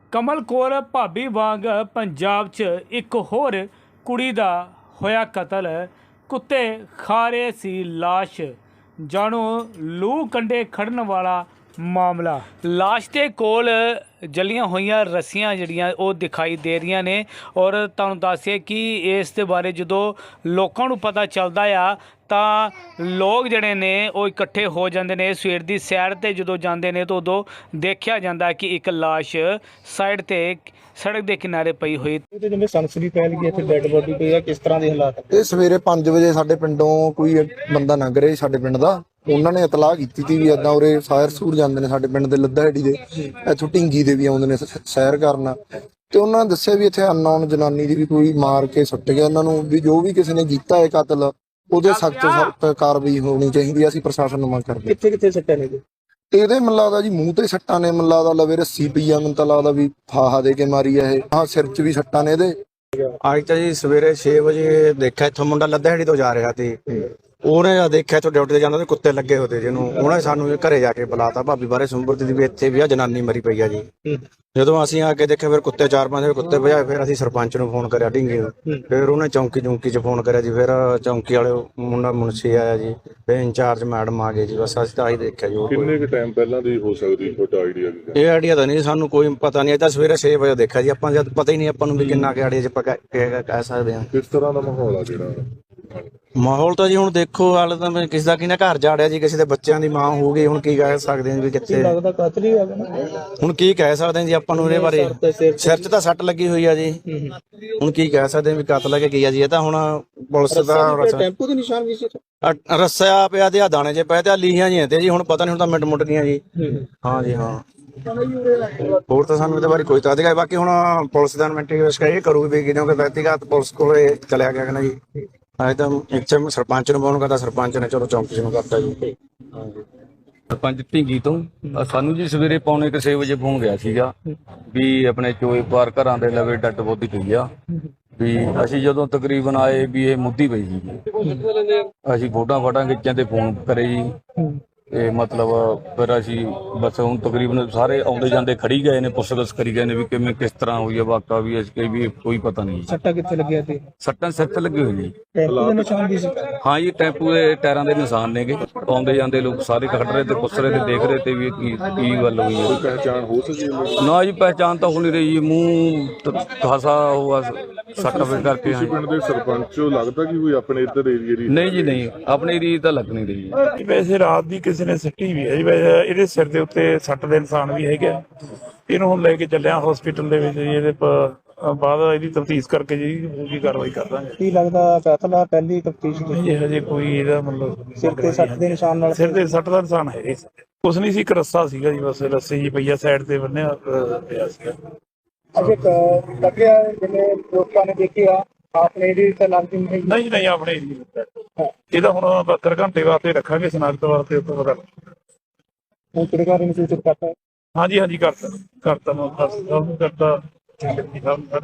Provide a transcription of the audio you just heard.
ਕਮਲ ਕੌਰ ਭਾਬੀ ਵਾਂਗ ਪੰਜਾਬ 'ਚ ਇੱਕ ਹੋਰ ਕੁੜੀ ਦਾ ਹੋਇਆ ਕਤਲ। ਕੁੱਤੇ ਖਾ ਰਹੇ ਸੀ ਲਾਸ਼। ਜਾਣੋ ਲੂ ਕੰਡੇ ਖੜਨ ਵਾਲਾ ਮਾਮਲਾ। ਲਾਸ਼ ਦੇ ਕੋਲ ਜਲੀਆਂ ਹੋਈਆਂ ਰੱਸੀਆਂ ਜਿਹੜੀਆਂ ਉਹ ਦਿਖਾਈ ਦੇ ਰਹੀਆਂ ਨੇ। ਔਰ ਤੁਹਾਨੂੰ ਦੱਸਿਆ ਕਿ ਇਸ ਦੇ ਬਾਰੇ ਜਦੋਂ ਲੋਕਾਂ ਨੂੰ ਪਤਾ ਚੱਲਦਾ ਆ ਤਾਂ ਲੋਕ ਜਿਹੜੇ ਨੇ ਉਹ ਇਕੱਠੇ ਹੋ ਜਾਂਦੇ ਨੇ। ਸਵੇਰ ਦੀ ਸੈਰ 'ਤੇ ਜਦੋਂ ਜਾਂਦੇ ਨੇ ਤਾਂ ਉਦੋਂ ਦੇਖਿਆ ਜਾਂਦਾ ਕਿ ਇੱਕ ਲਾਸ਼ ਸਾਈਡ 'ਤੇ ਸੜਕ ਦੇ ਕਿਨਾਰੇ ਪਈ ਹੋਈ। ਜਿਵੇਂ ਸਨਸਨੀ ਫੈਲ ਗਈ ਇੱਥੇ ਡੈੱਡ ਬੋਡੀ ਪਈ ਆ, ਕਿਸ ਤਰ੍ਹਾਂ ਦੇ ਹਾਲਾਤ? ਇਹ ਸਵੇਰੇ 5 ਵਜੇ ਸਾਡੇ ਪਿੰਡੋਂ ਕੋਈ ਬੰਦਾ ਲੰਘ ਰਿਹਾ ਸਾਡੇ ਪਿੰਡ ਦਾ। ਉਹਨਾਂ ਨੇ ਇਤਲਾਹ ਕੀਤੀ ਸੀ ਵੀ ਏਦਾਂ ਉਰੇ ਸਾਇਰ ਸੂਰ ਜਾਂਦੇ ਨੇ ਸਾਡੇ ਪਿੰਡ ਦੇ ਲੱਦਾਹੇੜੀ ਦੇ, ਇੱਥੋਂ ਢਿੰਗੀ ਦੇ ਵੀ ਆਉਂਦੇ ਨੇ ਸੈਰ ਕਰਨ। ਤੇ ਉਹਨਾਂ ਨੇ ਦੱਸਿਆ ਵੀ ਇੱਥੇ ਅਨਨੋਨ ਜਨਾਨੀ ਦੀ ਵੀ ਕੋਈ ਮਾਰ ਕੇ ਸੁੱਟ ਗਿਆ ਉਹਨਾਂ ਨੂੰ, ਵੀ ਜੋ ਵੀ ਕਿਸੇ ਨੇ ਕੀਤਾ ਹੈ ਕਤਲ ਉਹਦੇ ਸਖਤ ਕਾਰਵਾਈ ਹੋਣੀ ਚਾਹੀਦੀ ਹੈ। ਅਸੀਂ ਪ੍ਰਸ਼ਾਸਨ ਨੂੰ ਮੰਗ ਕਰਦੇ। ਕਿੱਥੇ ਕਿੱਥੇ ਸੱਟਾਂ ਨੇ ਜੀ? ਇਹਦੇ ਮੈਨੂੰ ਲੱਗਦਾ ਜੀ ਮੂੰਹ ਤੇ ਸੱਟਾਂ ਨੇ, ਮੈਨੂੰ ਲੱਗਦਾ ਲਵੇ ਰੱਸੀ ਪਈ ਆ, ਮੈਨੂੰ ਤਾਂ ਲੱਗਦਾ ਵੀ ਫਾਹਾ ਦੇ ਕੇ ਮਾਰੀ ਆ ਇਹ। ਹਾਂ, ਸਿਰ 'ਚ ਵੀ ਸੱਟਾਂ ਨੇ ਇਹਦੇ। ਅੱਜ ਤਾਂ ਜੀ ਸਵੇਰੇ 6 ਵਜੇ ਦੇਖਿਆ ਇੱਥੋਂ ਮੁੰਡਾ ਲੱਦਾਹੇੜੀ ਤੋਂ ਜਾ ਰਿਹਾ ਸੀ। ਉਹਨੇ ਜਦ ਦੇਖਿਆ ਇੱਥੋਂ ਡਿਊਟੀ ਤੇ ਜਾਂਦਾ ਤੇ ਕੁੱਤੇ ਲੱਗੇ ਹੋਤੇ ਜਿਹਨੂੰ, ਉਹਨੇ ਸਾਨੂੰ ਘਰੇ ਜਾ ਕੇ ਬੁਲਾਤਾ ਭਾਬੀ ਬਾਰੇ ਸੁੰਬਰਤੀ ਦੀ ਵੀ ਇੱਥੇ ਵੀ ਆ ਜਨਾਨੀ ਮਰੀ ਪਈ ਆ ਜੀ। ਜਦੋਂ ਅਸੀਂ ਆ ਕੇ ਦੇਖਿਆ ਫਿਰ ਕੁੱਤੇ 4-5 ਕੁੱਤੇ ਭਜਾਏ। ਫਿਰ ਅਸੀਂ ਸਰਪੰਚ ਨੂੰ ਫੋਨ ਕਰਿਆ ਢਿੰਗੇ ਨੂੰ, ਫਿਰ ਉਹਨੇ ਚੌਂਕੀ ਚ ਫੋਨ ਕਰਿਆ ਜੀ। ਫਿਰ ਚੌਂਕੀ ਵਾਲੇ ਮੁੰਡਾ ਮੁਨਸੀ ਆਇਆ ਜੀ, ਫਿਰ ਇੰਚਾਰਜ ਮੈਡਮ ਆ ਗਏ ਜੀ। ਬਸ ਅਸੀਂ ਤਾਂ ਆਹੀ ਦੇਖਿਆ ਜੀ। ਕਿੰਨੇ ਕੁ ਟਾਈਮ ਪਹਿਲਾਂ ਦੀ ਹੋ ਸਕਦੀ ਤੁਹਾਡਾ ਆਈਡੀਆ? ਇਹ ਆਈਡੀਆ ਤਾਂ ਨਹੀਂ ਸਾਨੂੰ ਕੋਈ ਪਤਾ ਨਹੀਂ। ਇਹ ਤਾਂ ਸਵੇਰੇ 6 ਵਜੇ ਦੇਖਿਆ ਜੀ ਆਪਾਂ, ਜਦ ਪਤਾ ਹੀ ਨਹੀਂ ਆਪਾਂ ਨੂੰ ਵੀ ਕਿੰਨਾ ਕਿ ਆਈਡੀਆ 'ਚ ਆਪਾਂ ਕਹਿ ਸਕਦੇ ਹਾਂ। ਕਿਸ ਤਰ੍ਹਾਂ ਦਾ ਮਾਹੌਲ ਆ ਜਿਹੜਾ? ਮਾਹੌਲ ਤਾਂ ਜੀ ਹੁਣ ਦੇਖੋ, ਹਾਲੇ ਤਾਂ ਕਿਸੇ ਦਾ ਕਿਹਨੇ ਘਰ ਜਾੜਿਆ ਜੀ, ਕਿਸੇ ਦੇ ਬੱਚਿਆਂ ਦੀ ਮਾਂ ਹੋ ਗਈ। ਹੁਣ ਕੀ ਕਹਿ ਸਕਦੇ ਹਾਂ ਵੀ ਕਿੱਥੇ ਲੱਗਦਾ ਕਾਤਲ ਹੀ ਆ ਗਿਆ ਨਾ। ਹੁਣ ਕੀ ਕਹਿ ਸਕਦੇ ਹਾਂ ਜੀ ਆਪਾਂ ਨੂੰ ਇਹਦੇ ਬਾਰੇ। ਸਿਰ 'ਚ ਤਾਂ ਸੱਟ ਲੱਗੀ ਹੋਈ ਆ ਜੀ। ਹੁਣ ਕੀ ਕਹਿ ਸਕਦੇ ਹਾਂ ਵੀ ਕਤਲ ਹੈ ਕਿ ਕੀ ਆ ਜੀ। ਇਹ ਤਾਂ ਹੁਣ ਪੁਲਿਸ ਦਾ ਟੈਂਪੂ ਦੇ ਨਿਸ਼ਾਨ ਵੀ ਸੀ ਰੱਸਿਆ ਪਿਆ ਤੇ ਆ ਦਾਣੇ 'ਚ ਪਏ ਤੇ ਆ ਲੀਹਾਂ ਜੀ ਤੇ ਜੀ। ਹੁਣ ਪਤਾ ਨਹੀਂ, ਹੁਣ ਤਾਂ ਮਿੰਟ ਮੁੱਟ ਗਈਆਂ ਜੀ। ਹਾਂ ਜੀ ਹਾਂ। ਹੋਰ ਤਾਂ ਸਾਨੂੰ ਇਹਦੇ ਬਾਰੇ ਕੋਈ ਤਾਂ ਅਧਿਕਾਰ। ਬਾਕੀ ਹੁਣ ਪੁਲਿਸ ਦਾ ਇਨਵੈਸਟੀਗੇਸ਼ਨ ਕਰੂਗੀ ਵੀ ਕਿਉਂਕਿ ਵਿਅਕਤੀਗਤ ਪੁਲਿਸ ਕੋਲੇ ਚਲਿਆ ਗਿਆ ਨਾ ਜੀ। ਅੱਜ ਤਾਂ ਇੱਥੇ ਸਰਪੰਚ ਨੂੰ ਫੋਨ ਕਰਦਾ, ਸਰਪੰਚ ਨੇ ਚਲੋ ਚੌਂਕੀ ਨੂੰ ਕਰਤਾ ਜੀ। ਸਰਪੰਚ ਢਿੰਗੀ ਤੋਂ ਸਾਨੂੰ ਜੀ ਸਵੇਰੇ 5:45 ਵਜੇ ਫੋਨ ਗਿਆ ਸੀਗਾ ਵੀ ਆਪਣੇ ਚੋਏ ਪਾਰ ਘਰਾਂ ਦੇ ਲਵੇ ਡੱਡ ਬੋਦੀ ਪਈ ਆ। ਵੀ ਅਸੀਂ ਜਦੋਂ ਤਕਰੀਬਨ ਆਏ ਵੀ ਇਹ ਮੁੱਦੀ ਪਈ ਸੀ। ਅਸੀਂ ਫੋਟਾਂ ਖਿੱਚਾਂ ਤੇ ਫੋਨ ਕਰੇ ਜੀ। ਤੇ ਮਤਲਬ ਫਿਰ ਅਸੀਂ ਬਸ ਹੁਣ ਤਕਰੀਬਨ ਸਾਰੇ ਆਉਂਦੇ ਜਾਂਦੇ ਖੜੀ ਗਏ ਨੇ, ਪੁੱਛਗਿੱਛ ਕਰੀ ਗਏ ਨੇ ਵੀ ਕਿਵੇਂ ਕਿਸ ਤਰ੍ਹਾਂ ਹੋਈ ਹੈ ਵਾਕਾ। ਵੀ ਅਸੀਂ ਵੀ ਕੋਈ ਪਤਾ ਨਹੀਂ। ਸੱਟਾਂ ਕਿੱਥੇ ਲੱਗਿਆ ਤੇ? ਸੱਟਾਂ ਸਿਰ ਤੇ ਲੱਗੇ ਹੋਏ ਜੀ। ਟੈਂਪੂ ਦੇ ਨਿਸ਼ਾਨ ਵੀ ਸੀ? ਹਾਂ ਜੀ, ਟੈਂਪੂ ਦੇ ਟਾਇਰਾਂ ਦੇ ਨਿਸ਼ਾਨ ਨੇਗੇ। ਆਉਂਦੇ ਜਾਂਦੇ ਲੋਕ ਸਾਰੇ ਖੜ ਰਹੇ ਤੇ ਪੁੱਛ ਰਹੇ ਤੇ ਦੇਖ ਰਹੇ ਤੇ ਵੀ ਕੀ ਗੱਲ ਹੋਈ ਹੈ। ਪਹਿਚਾਣ ਹੋ ਸਕੀ? ਨਾ ਜੀ, ਪਹਿਚਾਣ ਤਾਂ ਹੋ ਨਹੀਂ ਰਹੀ ਜੀ। ਮੂੰਹ ਖਾਸਾ ਹੋਆ ਸੱਟ ਵੇ ਕਰਕੇ। ਪਿੰਡ ਦੇ ਸਰਪੰਚ ਲੱਗਦਾ ਕਿ ਕੋਈ ਆਪਣੇ ਇੱਧਰ ਏਰੀਏ ਦੀ? ਨਹੀਂ ਜੀ ਨਹੀਂ, ਆਪਣੇ ਏਰੀਏ ਤਾਂ ਲੱਗ ਨਹੀਂ ਰਹੀ ਜੀ। ਵੈਸੇ ਰਾਤ ਦੀ ਕਿਸੇ ਨੇ ਸਿੱਟੀ ਵੀ ਹੈ ਜੀ। ਵੈਸੇ ਇਹਦੇ ਸਿਰ ਦੇ ਉੱਤੇ ਸੱਟ ਦੇ ਨਿਸ਼ਾਨ ਵੀ ਹੈਗੇ। ਇਹਨੂੰ ਹੁਣ ਲੈ ਕੇ ਚੱਲਿਆ ਹਸਪੀਟਲ ਦੇ ਵਿੱਚ ਜੀ। ਇਹਦੇ ਬਾਅਦ ਇਹਦੀ ਤਫਤੀਸ਼ ਕਰਕੇ ਜੀ ਪੂਰੀ ਕਾਰਵਾਈ ਕਰ ਦਾਂਗੇ। ਕੀ ਲੱਗਦਾ ਕਾਤਲ ਆ? ਪਹਿਲੀ ਤਫਤੀਸ਼ ਜੀ ਹਜੇ ਕੋਈ ਇਹਦਾ ਮਤਲਬ ਸਿਰ ਤੇ ਸੱਟ ਦੇ ਨਿਸ਼ਾਨ ਨਾਲ? ਸਿਰ ਤੇ ਸੱਟ ਦਾ ਨਿਸ਼ਾਨ ਹੈ। ਕੁਛ ਨਹੀਂ ਸੀ, ਇੱਕ ਰੱਸਾ ਸੀਗਾ ਜੀ, ਬਸ ਰੱਸੀ ਜੀ ਪਈਆ ਸਾਈਡ ਤੇ ਬੰਨਿਆ ਪਿਆ ਸੀਗਾ। ਲੱਗਿਆ ਜਿਵੇਂ ਲੋਕਾਂ ਨੇ ਦੇਖਿਆ ਆਪਣੇ ਦੀ ਤਾਂ ਲੱਗਦੀ ਨਹੀਂ? ਨਹੀਂ ਆਪਣੇ ਇਹਦਾ ਹੁਣ 72 ਘੰਟੇ ਵਾਸਤੇ ਰੱਖਾਂਗੇ ਸਨਾਖਤ ਵਾਸਤੇ। ਉੱਪਰ ਪਤਾ ਹੁਣ ਕਿਹੜੇ ਨੂੰ ਸੂਚਿਤ ਕਰਤਾ? ਹਾਂਜੀ ਕਰਤਾ ਮੈਂ ਕਰਤਾ।